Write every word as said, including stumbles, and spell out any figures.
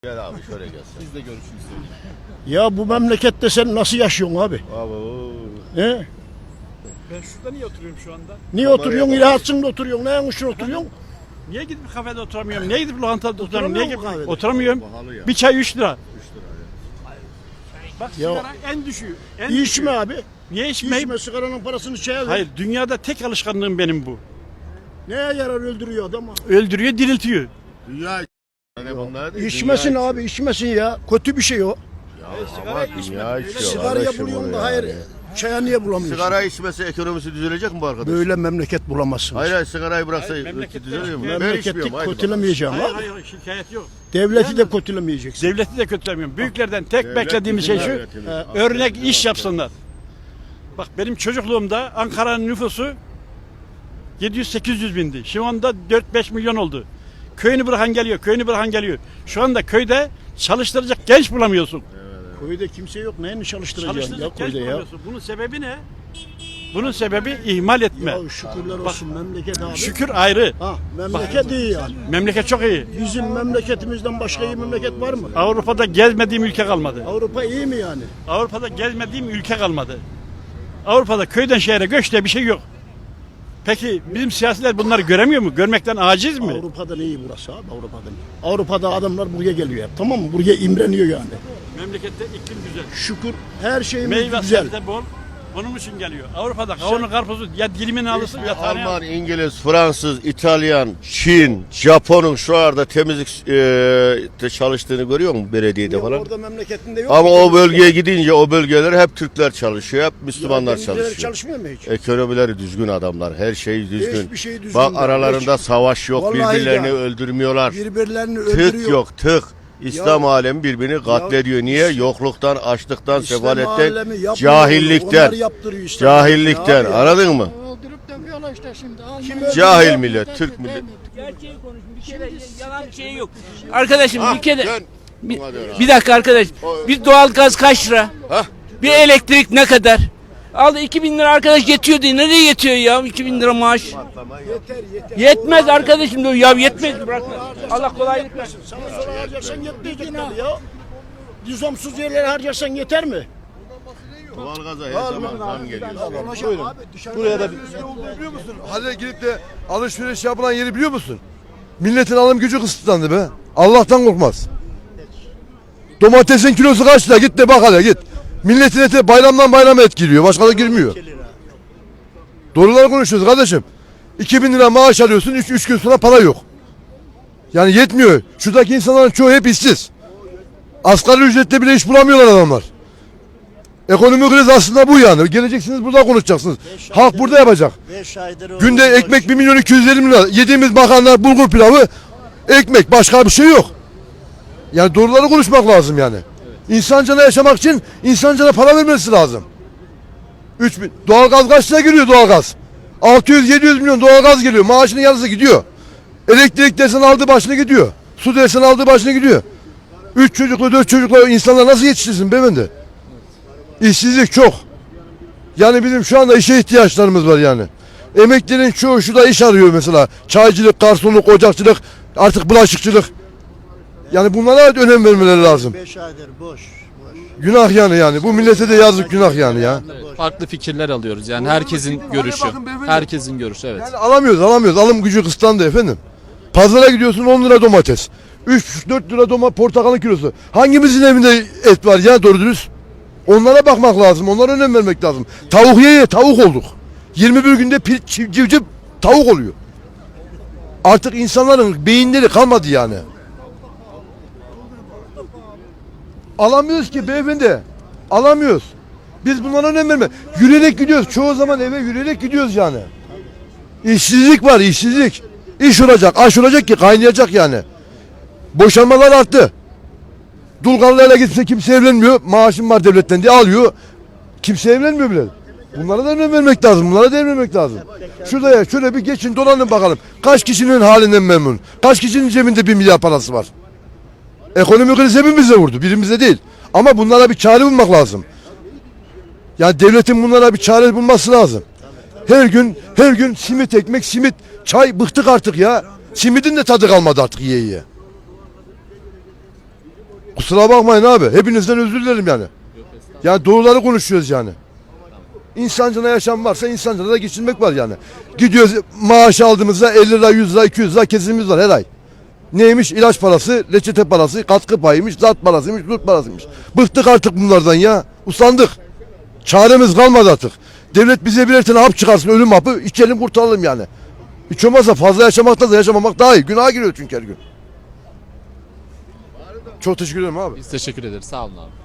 Gel abi şöyle gelsin. Biz de görüşünüzü söyleyin. Ya bu memlekette sen nasıl yaşıyorsun abi? Abi o. He? Ben şurada niye oturuyorum şu anda? Niye Kameraya oturuyorsun? bak. İlaçsın da oturuyorsun. Ne için oturuyorsun? Niye gidip kafede oturamıyorum? Niye gidip lokantada oturamıyorum? Niye Oturamıyor gidip mu kahvede? oturamıyorum? Pahalı ya. Bir çay üç lira. üç lira ya. Bak Ya- sigara en düşüğü. En İçme düşüğü. abi. Niye içmeyeyim? İçme, sigaranın parasını çaya ver. Hayır, dünyada tek alışkanlığım benim bu. Neye yarar, öldürüyor adamı? Öldürüyor, diriltiyor. Dünya hani bunlar değil. İçmesin dünya abi, içmesin ya. Kötü bir şey o. Ya ama dünya içiyor. Sigaraya kardeşim buluyorsun bunu da yani. hayır. Çaya niye bulamıyorsun? Sigara içmesi ekonomisi düzelecek mi bu arkadaş? Böyle memleket bulamazsın. Hayır hayır sigarayı bıraksa Hayır, ülke memlekette düzeliyor mu? şikayet- Ben Memleketi içmiyorum. Haydi bakalım. kötülemeyeceğim Hayır, abi. hayır, hayır, şikayet yok. Devleti de kötülemeyeceksin. Devleti de kötülemiyorum. Büyüklerden tek Devlet beklediğimiz şey bizim şu, devletimiz. e, Aferin, örnek iş aferin. yapsınlar. Bak benim çocukluğumda Ankara'nın nüfusu yedi yüz sekiz yüz bindi. Şu anda dört beş milyon oldu. Köyünü bırakan geliyor, köyünü bırakan geliyor. Şu anda köyde çalıştıracak genç bulamıyorsun. Köyde kimse yok. Neyini çalıştıracaksın ya Çalıştıracak genç köyde ya? bulamıyorsun. Bunun sebebi ne? Bunun sebebi ihmal etme. Ya şükürler olsun memleket abi. Şükür ayrı. Ha, memleket iyi yani. Memleket çok iyi. Bizim memleketimizden başka iyi memleket var mı? Avrupa'da gezmediğim ülke kalmadı. Avrupa iyi mi yani? Avrupa'da gezmediğim ülke kalmadı. Avrupa'da köyden şehre göç diye bir şey yok. Peki bizim siyasiler bunları göremiyor mu? Görmekten aciz mi? Avrupa'dan iyi burası abi, Avrupa'dan iyi. Avrupa'da adamlar buraya geliyor hep, tamam mı? Buraya imreniyor yani. Memlekette iklim güzel. Şükür her şeyimiz Meyve güzel. sebze bol. Onun için geliyor. Avrupa'da kavunu karpuzu ya dilimini alırsın ya taneye Alman, İngiliz, Fransız, İtalyan, Çin, Japon'un şu anda temizlik e, de çalıştığını görüyor musun belediyede Ya falan? orada memleketinde yok. Ama mu? o bölgeye gidince o bölgeler hep Türkler çalışıyor, hep Ya Müslümanlar denizciler çalışıyor. çalışmıyor mu hiç? Ekonomileri düzgün adamlar, her şey düzgün. Hiçbir şey düzgün Bak değil, aralarında hiç. savaş yok, Vallahi birbirlerini ya. öldürmüyorlar. Birbirlerini öldürüyor. Tık yok, tık. İslam Ya- alemi birbirini katlediyor. Niye? Yokluktan, açlıktan, İslam sefaletten, alemi yapmıyor onu. cahillikten. Onlar yaptırıyor İslam alemi Cahillikten. abi ya. Anladın mı? Öldürüp dövüyorlar işte şimdi. Kim Cahil öldürüyor? millet, Türk millet. Gerçeği konuş. Bir kere yalan şey yok. Arkadaşım bir kere Dön. bir, Hadi öyle. bir dakika arkadaş. Bir doğalgaz kaç lira? Hah. Bir elektrik ne kadar? Aldı iki bin lira arkadaş yetiyor diye. Nereye yetiyor ya iki bin lira maaş? Yeter yeter. Yetmez arkadaşım diyor. Ya yetmez bırak. Allah kolaylık versin. Sana sonra harcarsan yetmeyecek tabii ya. Lüzumsuz yerlere harcarsan yeter mi? Doğalgaza her zaman zam geliyor. Buyurun. Buraya da biliyor musun? Hale girip de alışveriş yapılan yeri biliyor musun? Milletin alım gücü kısıtlandı be. Allah'tan korkmaz. Domatesin kilosu kaç lira? Git de bak hele git. Milletin eti bayramdan bayrama etkiliyor. Başka da girmiyor. Doğruları konuşuyoruz kardeşim. iki bin lira maaş alıyorsun. üç gün sonra para yok. Yani yetmiyor. Şuradaki insanların çoğu hep işsiz. Asgari ücretle bile iş bulamıyorlar adamlar. Ekonomik kriz aslında bu yani. Geleceksiniz burada konuşacaksınız. Halk burada yapacak. Günde ekmek bir milyon iki yüz elli lira. Yediğimiz makarna, bulgur pilavı, ekmek. Başka bir şey yok. Yani doğruları konuşmak lazım yani. İnsancana yaşamak için insancana para vermesi lazım. üç bin. Doğalgaz kaç lira geliyor doğalgaz? altı yüz yedi yüz milyon doğalgaz geliyor. Maaşının yarısı gidiyor. Elektrik desen aldığı başını gidiyor. Su desen aldığı başını gidiyor. üç çocuklu dört çocuklu insanlar nasıl yetiştirsin beyefendi? İşsizlik çok. Yani bizim şu anda işe ihtiyaçlarımız var yani. Emeklilerin çoğu şurada iş arıyor mesela. Çaycılık, garsonluk, ocakçılık, artık bulaşıkçılık. Yani bunlara önem vermeleri lazım. Beş aydır boş. boş. Günah yani yani. Bu millete de yazık günah yani ya. Farklı fikirler alıyoruz yani herkesin görüşü. bakın beyefendi. Herkesin görüşü evet. Yani alamıyoruz alamıyoruz. Alım gücü kısıtlandı efendim. Pazara gidiyorsun on lira domates. üç dört lira domates portakalın kilosu. Hangimizin evinde et var ya doğru dürüst? Onlara bakmak lazım. Onlara önem vermek lazım. Tavuk ye ye tavuk olduk. yirmi bir günde pir, çiv, civciv tavuk oluyor. Artık insanların beyinleri kalmadı yani. Alamıyoruz ki beyefendi. Alamıyoruz. Biz bunlara önem verme. Yürüyerek gidiyoruz. Çoğu zaman eve yürüyerek gidiyoruz yani. İşsizlik var, işsizlik. İş olacak, aş olacak ki kaynayacak yani. Boşanmalar arttı. Dulgarlarla gitse kimse evlenmiyor. Maaşım var devletten diye alıyor. Kimse evlenmiyor bile. Bunlara da önem vermek lazım. Bunlara da önem vermek lazım. Şurada ya şöyle bir geçin dolanın bakalım. Kaç kişinin halinden memnun? Kaç kişinin cebinde bir milyar parası var? Ekonomik kriz hepimize vurdu. Birimize değil. Ama bunlara bir çare bulmak lazım. Yani devletin bunlara bir çare bulması lazım. Her gün her gün simit ekmek simit çay bıktık artık ya. Simidin de tadı kalmadı artık yiye yiye. Kusura bakmayın abi. Hepinizden özür dilerim yani. Yani doğruları konuşuyoruz yani. İnsancına yaşam varsa insancına da geçinmek var yani. Gidiyoruz maaş aldığımızda elli lira, yüz lira, iki yüz lira kesimimiz var her ay. Neymiş? İlaç parası, reçete parası, katkı payıymış, zat parasıymış, zurt parasıymış. Bıktık artık bunlardan ya. Usandık. Çaremiz kalmadı artık. Devlet bize birer tane hap çıkarsın, ölüm hapı, içelim kurtaralım yani. Hiç olmazsa fazla yaşamakta da yaşamamak daha iyi. Günaha giriyor çünkü her gün. Çok teşekkür ederim abi. Biz teşekkür ederiz. Sağ olun abi.